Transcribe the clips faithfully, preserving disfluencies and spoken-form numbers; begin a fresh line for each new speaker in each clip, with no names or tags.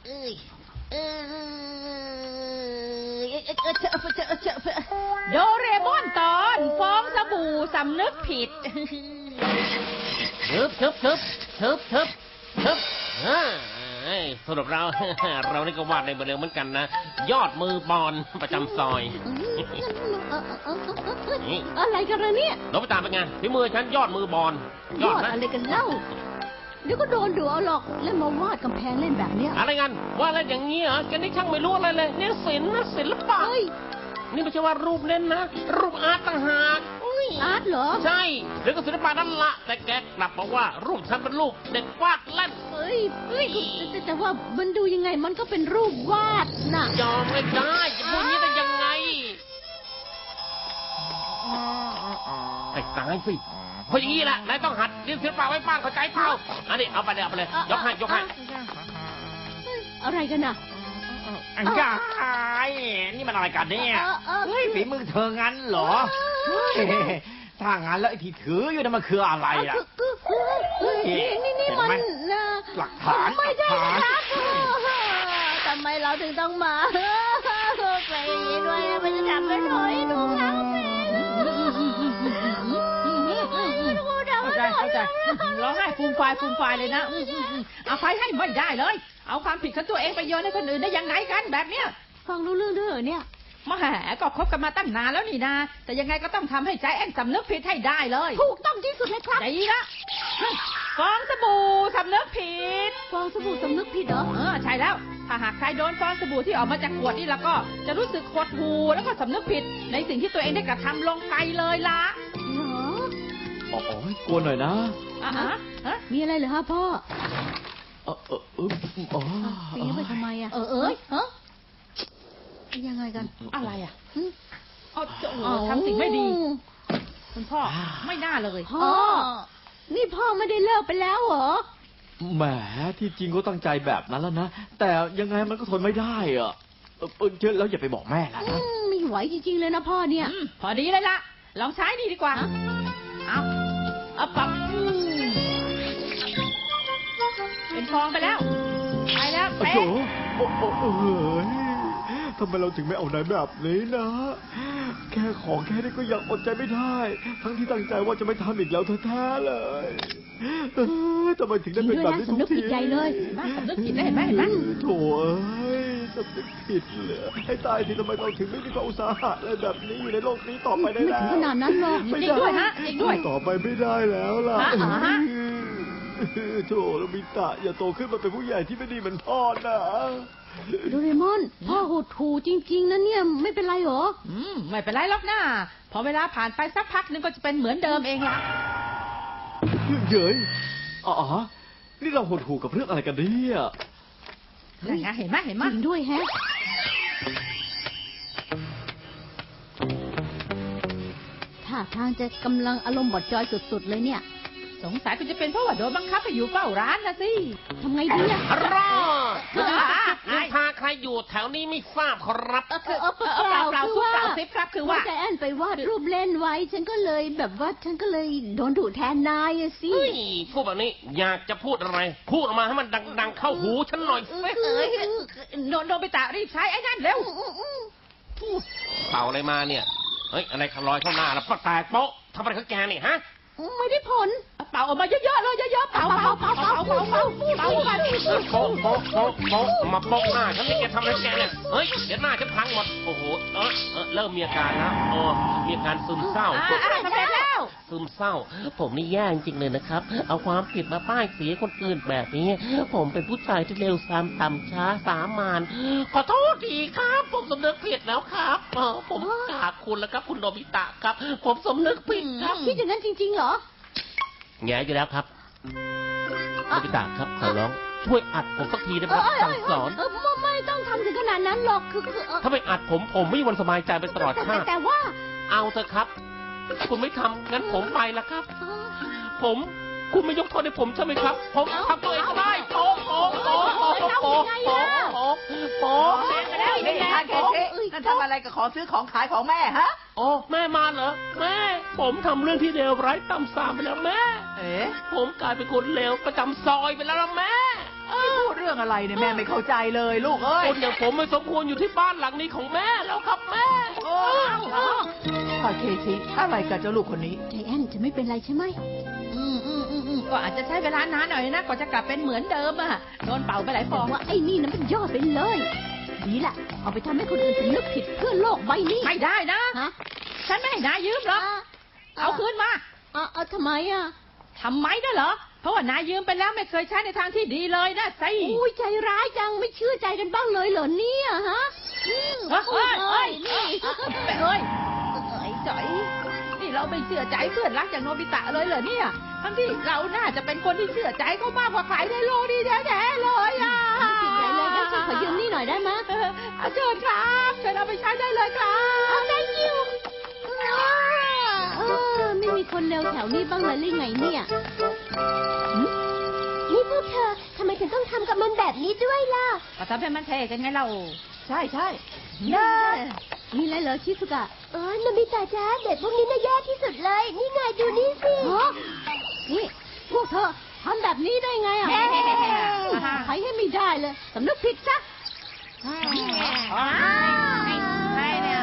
เอ้ยเอ้ย
โดเรมอนตอนฟองสบู่สำนึกผิด
เชิบเชิบเชิบเชิบเชิบเชิบสรุปเราเรานี่ก็วาดในเบอร์เดิมเหมือนกันนะยอดมือบอลประจำซอย
อะไรกันล่ะเนี่ย
เราไปตามเป็นไงฝีมือฉันยอดมือบอล
ยอดอะไรกันเล่าเดี๋ยวก็โดนดูเอาหรอกเล่นมาวาดกำแพงเล่นแบบเนี้ย
อะไรกันว่าอะไรอย่างนี้เหรอแกนี่ช่างไม่รู้อะไรเลยนี่ศิลป์นะศิลปะนี่ไม่ใช่ว่ารูปเล่นนะรูปอาร์ตต่างหาก
อาร์ตเหรอ
ใช่เดี๋ยวก็ศิลปะนั่นละแต่แกกลับบอกว่ารูปฉันเป็นรูปเด็กวาดเล่น
เฮ้ยเฮ้ยแต่แต่ว่ามันดูยังไงมันก็เป็นรูปวาดน่ะ
ยอมไม่ได้จะพูดนี้ได้ยังไงไอ้ตายสิเพราะอย่างนี้แหละนายต้องหัดเรียนศิลปะไว้บ้างเข้าใจเปล่าอันนี้เอาไปเลยเอาไปเลยยกให้ยกให้
อะไรกันน่ะ
อันกายนี่มันอะไรกันเนี่ยเฮ้ยฝีมือเธองั้นเหรอถ้างั้นแล้วไอ้ที่ถืออยู่นั่นมันคืออะไรล่ะ
นี่นี่นี่มัน
หลักฐาน
ไม่ใช่ครับทำไมเราถึงต้องมาไปอย่างนี้ด้วยมันจะจับไปถอยดูเขา
เข้าใจเข้าใจร้องไห้ฟูมฟายฟูมฟายเลยนะเอาไฟให้ไม่ได้เลยเอาความผิดของตัวเองไปโยนให้คนอื่นได้ยังไงกันแบบเนี้ย
ฟังรู้เรื่องด้วยเนี่ย
มาแหมก็คบกันมาตั้งนานแล้วนี่นาแต่ยังไงก็ต้องทำให้ใจแอนสำนึกผิดให้ได้เลย
ถูกต้องที่สุดเลยครับ
ดีละฟองสบู่สำนึกผิด
ฟองสบู่สำนึกผิดเหรอ
เออใช่แล้วถ้าหากใครโดนฟองสบู่ที่ออกมาจากขวดนี่แล้วก็จะรู้สึกหดหู่แล้วก็สำนึกผิดในสิ่งที่ตัวเองได้กระทำลงไปเลยล่ะ
อ๋อกลัวหน่อยนะ
อ่ะฮะ
มีอะไรเหรอฮะพ่อ
เออเออเอออ๋อ
ปีนไปทำไมอ่ะเออเออฮะยังไงกัน
อะไรอ่ะอ๋อทำสิ่งไม่ดีคุณพ่อไม่น่าเลย
พ่อนี่พ่อไม่ได้เลิกไปแล้วเหรอ
แหมที่จริงก็ตั้งใจแบบนั้นแล้วนะแต่ยังไงมันก็ทนไม่ได้อ่ะเออเชื่อแล้วอย่าไปบอกแม่นะ
ไม่ไหวจริงๆเลยนะพ่อเนี่ย
พอดีเลยล่ะลองใช้นี่ดีกว่าเอาเอาปับเป็นฟองไปแล้วไปแล้วเป๊ะ
โอ้โหโอ้โหทำไมเราถึงไม่เอาไหนแบบนี้นะแค่ของแค่นี้ก็ยังอดใจไม่ได้ทั้งที่ตั้งใจว่าจะไม่ทำอีกแล้วแท้ๆเลยทำไมถึงได้เป็นแบบนี้ทุกที
ใจเลย
สำนึกผิดได้เห็นไหมเห็นไหม
โถ่เอ้ยสำนึกผิดเลยให้ตายทีทำไมเราถึงไม่มีความอุตสาหะอะไรแบบนี้อยู่ในโลกนี้ต่อไปได้แล้ว
ไม่ถึงขนาดนั้นหรอก
จริงด้วยฮะจริงด้วย
ต่อไปไม่ได้แล้วล่ะโถ่โนบิตะอย่าโตขึ้นมาเป็นผู้ใหญ่ที่ไม่ดีเหมือนพ่อนะ
โดเรมอนพ่อหดหู่จริงๆนะเนี่ยไม่เป็นไรหรอ
อืมไม่เป็นไรหรอกนะพอเวลาผ่านไปสักพักนึงก็จะเป็นเหมือนเดิมเองละ
เย้ยอ๋อนี่เราหดหู่กับเรื่องอะไรกันเนี่ย
นั่นไงเห็นไหมเห็นไหม
จริงด้วยแฮะท่าทางจะกำลังอารมณ์บดจอยสุดๆเลยเนี่ย
สงสัยก็จะเป็นเพราะว่าโดนบังคับให้อยู่เฝ้าร้านนะสิ
ทำไงดีอะ
รอนินทาใครอยู่แถวนี้ไม่ทราบครับ
คือเปล่าเปล่าคือว่าคือว่าใจแอนไปวาดรูปเล่นไว้ฉันก็เลยแบบว่าฉันก็เลยโดนดุแทนนายสิ
พูดแบบนี้อยากจะพูดอะไรพูดออกมาให้มันดังๆเข้าหูฉันหน่อย
โดนโดนไปตารีบใช้ไอ้นั่นเร็ว
เป่าอะไรมาเนี่ยเฮ้ยอะไรลอยเข้าหน้าแล้วแตกโป๊ะทำอะไรกับแกนี่ฮะ
ไม่ได้ผล
เป่าออกมาเยอะๆเลยเยอะๆเป่าเป่าเป่าเป่าเป่าเป่าเป่าไป
โป๊ะโป๊ะโป๊ะโป๊ะมาโป๊ะหน้าฉันนี่แกทำอะไรแกเนี่ยเฮ้ยเดี๋ยวหน้าฉันพังหมดโอ้โหเออเออเริ่มมีอาการแล้วโอ้มีอาการซึมเศร้า
ทำไมแล้ว
ซึมเศร้าผมนี่แย่จริงเลยนะครับเอาความผิดมาป้ายสีคนอื่นแบบนี้ผมเป็นผู้ชายที่เร็วซ้ำต่ำช้าสามานขอโทษทีครับผมสำนึกผิดแล้วครับเออผมกราบคุณแล้วครับคุณโนบิตะครับผมสำนึกผิดครับ
คิดอย่างนั้นจริงๆเหรอ
แง่อยู่แล้วครับโนบิตะครับขอร้องช่วยอัดผมสักทีได้ไหมสั่งสอน
ไม่ต้องทำถึงขนาดนั้นหรอกคือ
ถ้าไม่อัดผมผมไม่มีวันสบายใจไปตลอดชาติ
แต่ว่า
เอาเถอะครับคุณไม่ทำงั้นผมไปละครับผมคุณไม่ยกโทษให้ผมใช่ไหมครับผมทำตัวเองได้โป๊ะโป๊ะโป๊ะโป๊ะโป๊ะโป๊ะโป๊ะโป๊ะ
ไปแล้วไม่ทานแค่นี้นั่นทำอะไรก็ขอซื้อของขายของแม่ฮะ
โอ้แม่มาเหรอแม่ผมทำเรื่องที่เลวร้ายต่ำสามไปแล้วแม่
เอ๋
ผมกลายเป็นคนเลวประจำซอยไปแล้วแม่
ที่พูดเรื่องรื่องอะไรเนี่ยแม่ไม่เข้าใจเลยลูกเอ้ย
คนอย่างผมไม่สมควรอยู่ที่บ้านหลังนี้ของแม่แล้วครับแม่
โอ้ขอเคสิอะไรกับเจ้าลูกคนนี้
ใจแอนจะไม่เป็นไรใช่ไหม
อืมอืมอืมอืมก็อาจจะใช้เวลานานหน่อยนะกว่าจะกลับเป็นเหมือนเดิมอะโดนเป่าไปหลายฟ
บ
อ
อง กว่าไอ้นี่นะมันยอดไปเลย ดีละเอาไปทำให้คนอื่นสำนึกผิดเพื่อโลกใบนี้
ไม่ได้นะ
ฮะ
ฉันไม่ให้นายยืมหรอกเอาคืนมา
เอาเอาทำไมอ่ะ
ทำไมได้เหรอ เพราะว่านายยืมไปแล้วไม่เคยใช้ในทางที่ดีเลยนะสิ
อุ้ยใจร้ายจังไม่เชื่อใจกันบ้างเลยเหรอเนี่ยฮะอืม
เฮ้ยเฮ้ยเฮ้ย
นี่
เฮ้ยเฮ้ยจ๋อยนี่เราไม่เชื่อใจเพื่อนรักอย่างโนบิตะเลยเหรอเนี่ย ทั้งที่เราน่าจะเป็นคนที่เชื่อใจเขามากกว่าใครในโลกนี้แท้ๆเลยอ่ะ
ไม่ติดใจเลยงั้นฉันขอยืมนี่หน่อยได้ไหม
เออเอาเชิญครับเชิญเอาไปใช้ได้เลยครับ
เอา thank you เออไม่มีคนเร็วแถวนี้บ้างเลยหรือไงเนี่ยหึนี่พวกเธอทำไมถึงต้องทำกับมันแบบนี้ด้วยล่ะ
ก็ทำให้มันเท่กันไงเรา ใช่ใช่
น่ามีอะไรเหรอชิสุกะเออนามิตาจ้าเด็กพวกนี้น่าแย่ที่สุดเลย นี่ไงดูนี่สินี่พวกเธอทำแบบนี้ได้ไงอ่ะใครให้ไม่ได้เลยสำนึกผิดซะ
ใช่เนี่ย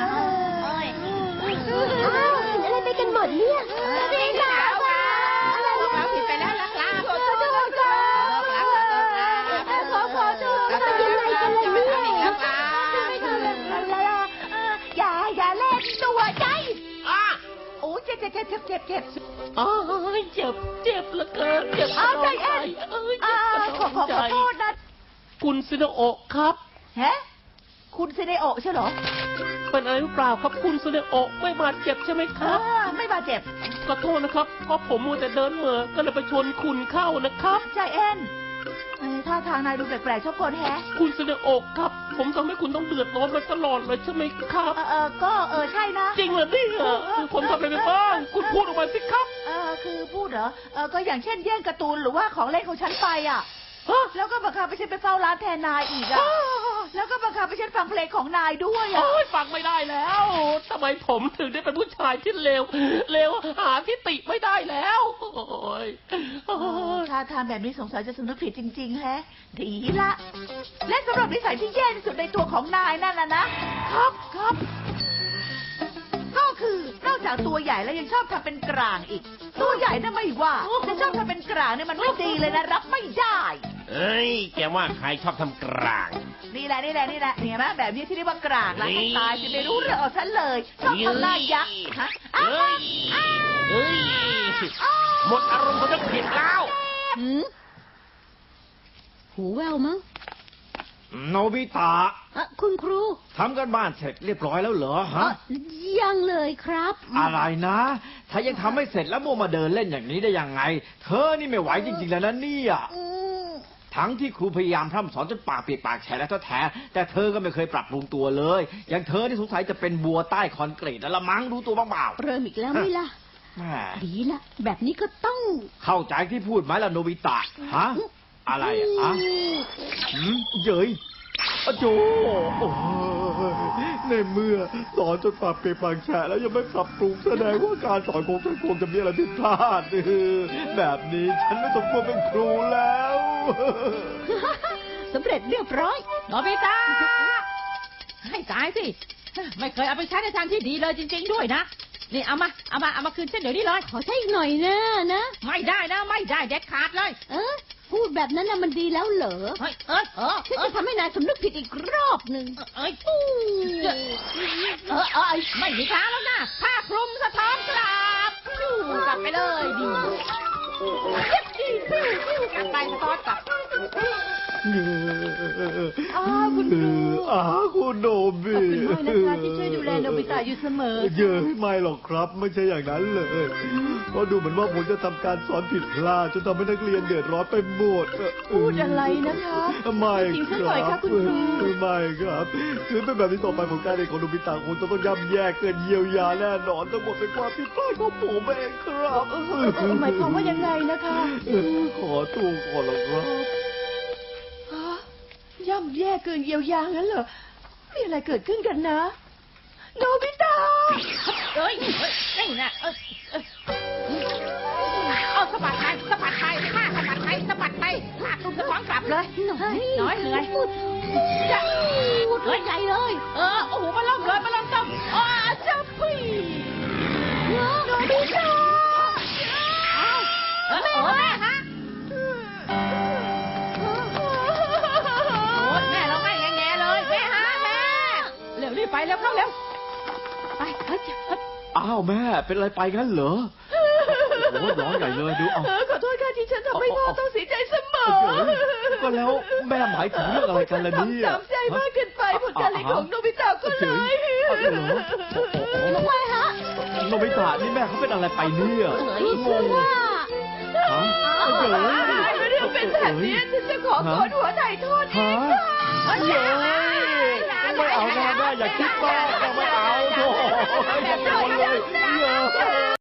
อ้าวเป็นอะไรไปกันหมดเนี่ยไม่ได้ด่าว่าอะไร
เรา
นะ
ผิดไปแล้วนะครับ
ขอโทษค่ะขอขอโทษค่ะเป็นยังไงกันล่ะเนี่ยไม่ทำแบบนั้นแล้วล่ะอย่าอย่าเล่นตัวใจ
อ่ะ
โอ้เจ็บเจ็บเจ็บเจ็บเจ็บเจ็บ
อ๋อเจ็บเจ็บเหลือเกินเจ็บ
เอาใจแอน
เอ้ย
อ่า
เจ็บ
ขอขอขอโทษนะ
คุณซินโอะครับ
ฮะคุณเซเนโอะใช่เหรอ
เป็นอะไรหรือเปล่าครับคุณซินโอะไม่บาดเจ็บใช่ไหมครับ
ไม่บาดเจ็บ
ขอโทษนะครับเพราะผมมัวแต่เดินเหม่อก็เลยไปชนคุณเข้านะครับ
ใจแอนท่าทางนายดูแปลกๆชอบคนแฮะ
คุณซินโอะครับ ผมทำให้คุณต้องเดือดร้อนมาตลอดเลยใช่ไหมครับ
เออเออก็เออใช่นะ
จริงเหรอเนี่ยผมทำอะไรไปบ้าง คุณพูดออกมาสิครับ
เออคือพูดเหรอ เออก็อย่างเช่นแย่งการ์ตูนหรือว่าของเล่นของฉันไปอ่ะ
ฮะ
แล้วก็บังคับให้ฉันไปเฝ้าร้านแทนนายอีกอ่ะ แล้วก็บังคับให้ฉันฟังเพลงของนายด้วยอ่ะ
โอ้ยฟังไม่ได้แล้วทำไมผมถึงได้เป็นผู้ชายที่เลวเลวหาที่ติไม่ได้แล้วโอ้ยโอ้ย
ถ้าทำแบบนี้สงสัยจะสำนึกผิดจริง ๆ แฮะ ดีละ และสำหรับนิสัยที่แย่ที่สุดในตัวของนายนั่นนะนะ ครับครับ ก็คือนอกจากตัวใหญ่แล้วยังชอบทำเป็นกลางอีก ตัวใหญ่น่ะไม่ว่าแต่ชอบทำเป็นกลางเนี่ยมันไม่ดีเลยนะ รับไม่ได้
เอ้ยแกว่าใครชอบทำกลาง
นี่แหละนี่แหละนี่แหละเห็นไหมแบบนี้ที่เรียกว่ากลางแล้ว
นี่
ให้ตายสิไม่รู้เรื่องเอาฉันเลยชอบทำหน้ายักษ์ฮะ
เอ้ยเอ้ยหมดอารมณ์เขาจะผิดแล้ว
หืมหูแววมั้ง
โนบิตะ
อ่ะคุณครู
ทำกันบ้านเสร็จเรียบร้อยแล้วเหรอฮะ
อ่ะยังเลยครับ
อะไรนะ ถ้ายังทำไม่เสร็จแล้วมัวมาเดินเล่นอย่างนี้ได้ยังไง เธอนี่ไม่ไหวจริงๆแล้วนะเนี่ย
อืม
ทั้งที่ครูพยายามพร่ำสอนจนปากเปียกปากแฉะแล้วแท้ๆแต่เธอก็ไม่เคยปรับปรุงตัวเลย อย่างเธอที่สงสัยจะเป็นบัวใต้คอนกรีตแล้วละมั้งรู้ตัวบ้างเปล่า
เริ่มอีกแล้วไหม่ล่ะ
แหม
ดีละแบบนี้ก็ต้อง
เข้าใจที่พูดไหมล่ะโนบิตะฮะอะไรอะฮะหืมเย้ยอะโจโอ้ยในเมื่อสอนจนปากเปียกปากแฉะแล้วยังไม่ปรับปรุงแสดงว่าการสอนของฉันคงจะมีอะไรผิดพลาดเออแบบนี้ฉันไม่สมควรเป็นครูแล้ว
สำเร็จเรียบร้อย
โนบิตะให้ตายสิ ไม่เคยเอาไปใช้ในทางที่ดีเลยจริง ๆ ด้วยนะ นี่เอามาเอามาเอามาคืนฉันเดี๋ยวนี้เลย
ขอใช้อีกหน่อยนะนะ
ไม่ได้นะไม่ได้เด็ดขาดเลย
เออพูดแบบนั้นนะมันดีแล้วเหรอ
เฮ้ยเอ้ยเออ
ฉัน
เอ
จะ
อ
ทำให้นายสำนึกผิดอีกรอบหนึ่ง
เอ้ย
อู้
เออเออไม่มีทางแล้วนะผ้าคลุมสะท้อนกลับฟิวกลับไปเลยดีฟิวฟิวฟิวกลับไปสะท้อนกลับ
อ้าวคุณครู
อ้าวคุณโนบิ
ขอบคุณมากนะคะที่ช่วยดูแลโนบิตะอยู่เสมอ
เยอะไม่หรอกครับ ไม่ใช่อย่างนั้นเลย เพราะดูเหมือนว่าผมจะทำการสอนผิดพลาดจนทำให้นักเรียนเดือดร้อนไปหมด
พูดอะไรนะคะ
ไม่
จริง
ค
สักหน่
รั
อยค่ะ
บ
คุณครู
ไม่ครับคือเป็นแบบนี้ต่อไปผมการเรียนของโนบิตะคงจะต้องย่ำแย่เกินเยียวยาแน่นอนทั้งหมดเป็นความผิดพลาดของผมเองครับ
หมายความว่ายังไงนะคะ
ขอตัวก่อนหรอกครับ
ย่ำแย่เกินเยียวยางั้นเหรอ มีอะไรเกิดขึ้นกันนะ โนบิตะ
เอ้ยเอ้ยนี่นะเออเออเอาสะบัดไปสะบัดไปผ้าสะบัดไปสะบัดไปไปลากตุ้มสะท้อนกลับเลยน้อยน้อยเหนื่อยจะ
เฮ้ยใหญ่เลย
เออโอ้โหมาล่มเลยมาล่มต้มอ้าจับพี่โนบิตะเอ้าเออโอ้แม่ฮะโอ้แม่เราไม่แง่ๆเลยแม่ฮะแม่เร็วรีบไปเร็วเข้าเร็วไปเฮ้ยเฮ้ย
อ้าวแม่เป็นอะไรไปงั้นเหรอโอ้โหร้องใหญ่เลยดูเอา
ขอโทษค่ะที่ฉันทำให้พ่อต้องเสียใจเสมอ
ก็แล้วแม่หมายถึงเรื่องอะไรกันล่ะเนี่ย
ทำตามใจมากเกินไปผลการเรียนของโนบิตะก็เลย
เอาเหรอโอ้โห
ทำไมฮะ
โนบิตะนี่แม่เขาเป็นอะไรไปเนี่ยงงฮะเอ๋ย
เรื่องเป็นแบบนี้ฉันจะขอโกนหัวไถ่โทษเอ
ฮะ
งค่ะ
เย้ไม่เอาแม่แม่อย่าคิดมากไม่เอาโถ่อย่าโกนเลยเย้